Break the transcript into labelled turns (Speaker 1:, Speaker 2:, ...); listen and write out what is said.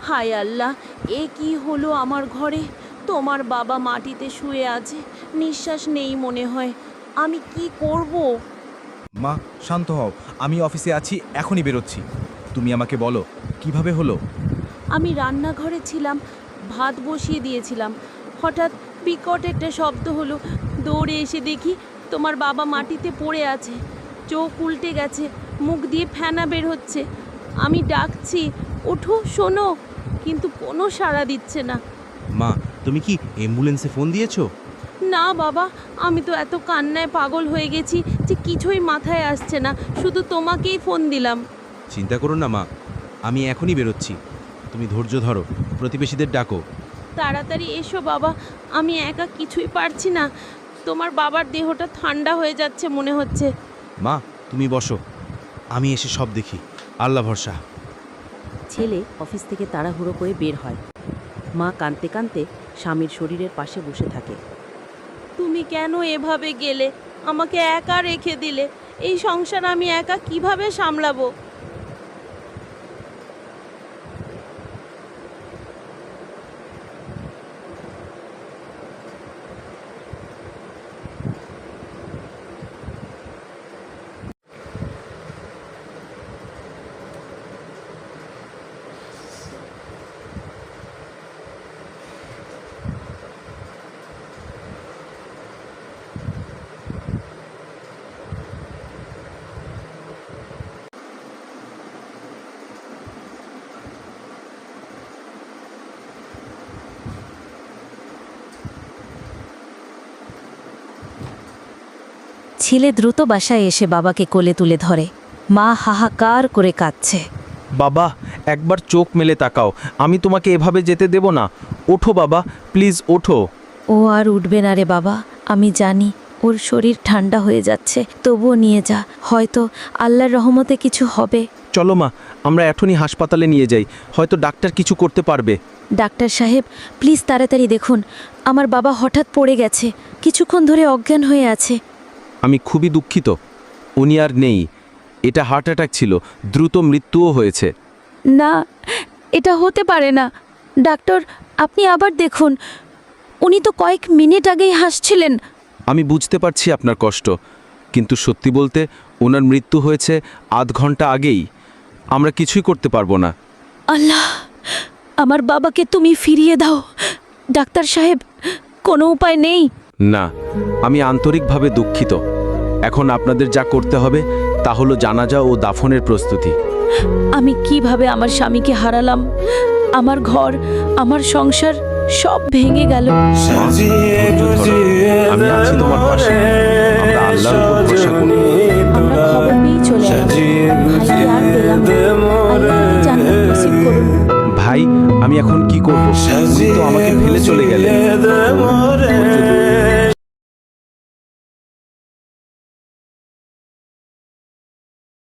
Speaker 1: হায় আল্লাহ, এ কি হলো আমার ঘরে? তোমার বাবা মাটিতে শুয়ে আছে, নিঃশ্বাস নেই মনে হয়। আমি কি করব?
Speaker 2: মা, শান্ত হও। আমি অফিসে আছি, এখনই বেরোচ্ছি। তুমি আমাকে বলো কিভাবে হলো।
Speaker 1: আমি রান্নাঘরে ছিলাম, ভাত বসিয়ে দিয়েছিলাম। হঠাৎ বিকট একটা শব্দ হলো। দৌড়ে এসে দেখি তোমার বাবা মাটিতে পড়ে আছে, চোখ উল্টে গেছে, মুখ দিয়ে ফেনা বের হচ্ছে। আমি ডাকছি, ওঠো, শোনো, কিন্তু কোনো সাড়া দিচ্ছে না।
Speaker 3: মা, তুমি কি অ্যাম্বুলেন্সে ফোন দিয়েছো?
Speaker 1: না বাবা, আমি তো এত কান্নায় পাগল হয়ে গেছি যে কিছুই মাথায় আসছে না, শুধু তোমাকেই ফোন দিলাম।
Speaker 3: চিন্তা করো না মা, আমি এখনই বেরোচ্ছি। তুমি ধৈর্য ধরো, প্রতিবেশীদের ডাকো।
Speaker 1: তাড়াতাড়ি এসো বাবা, আমি একা কিছুই পারছি না। তোমার বাবার দেহটা ঠান্ডা হয়ে যাচ্ছে মনে হচ্ছে।
Speaker 3: মা, তুমি বসো, আমি এসে সব দেখি। আল্লাহ ভরসা।
Speaker 4: ছেলে অফিস থেকে তাড়াহুড়ো করে বের হয়। মা কাঁদতে কাঁদতে স্বামীর শরীরের পাশে বসে থাকে।
Speaker 1: তুমি কেন এভাবে গেলে? আমাকে একা রেখে দিলে। এই সংসার আমি একা কিভাবে সামলাবো?
Speaker 5: ছেলে দ্রুত বাসায় এসে বাবাকে কোলে তুলে ধরে। মা হাহাকার করে কাঁদছে।
Speaker 6: বাবা, একবার চোখ মেলে তাকাও, আমি তোমাকে এভাবে যেতে দেব না। ওঠো বাবা, প্লিজ ওঠো।
Speaker 5: ও আর উঠবে না রে বাবা, আমি জানি ওর শরীর ঠান্ডা হয়ে যাচ্ছে, তবুও নিয়ে যা, হয়তো আল্লাহর রহমতে কিছু হবে।
Speaker 6: চলো মা, আমরা এখনই হাসপাতালে নিয়ে যাই, হয়তো ডাক্তার কিছু করতে পারবে।
Speaker 5: ডাক্তার সাহেব, প্লিজ তাড়াতাড়ি দেখুন, আমার বাবা হঠাৎ পড়ে গেছে, কিছুক্ষণ ধরে অজ্ঞান হয়ে আছে।
Speaker 6: আমি খুবই দুঃখিত, উনি আর নেই। এটা হার্ট অ্যাটাক ছিল, দ্রুত মৃত্যুও হয়েছে।
Speaker 5: না, এটা হতে পারে না। ডাক্তার, আপনি আবার দেখুন, উনি তো কয়েক মিনিট আগেই হাসছিলেন।
Speaker 6: আমি বুঝতে পারছি আপনার কষ্ট, কিন্তু সত্যি বলতে ওনার মৃত্যু হয়েছে আধ ঘন্টা আগেই। আমরা কিছুই করতে পারবো না।
Speaker 5: আল্লাহ, আমার বাবাকে তুমি ফিরিয়ে দাও। ডাক্তার সাহেব, কোনো উপায় নেই?
Speaker 6: না, আমি আন্তরিকভাবে দুঃখিত। এখন আপনাদের যা করতে হবে তা হলো জানাজা ও দাফনের প্রস্তুতি।
Speaker 5: আমি কিভাবে আমার স্বামীকে হারালাম? আমার ঘর, আমার সংসার সব ভেঙে গেল।
Speaker 6: আমি আছি তোমার পাশে, আমরা আল্লাহর উপর ভরসা করি।
Speaker 5: আমরা খবর পেয়ে চলে এলাম। ভাইকে আর পেলাম না। আল্লাহ জান্নাত নসিব করুন।
Speaker 6: ভাই, আমি এখন কি করব? উনি তো আমাকে ফেলে চলে গেলেন। ধৈর্য ধরুন।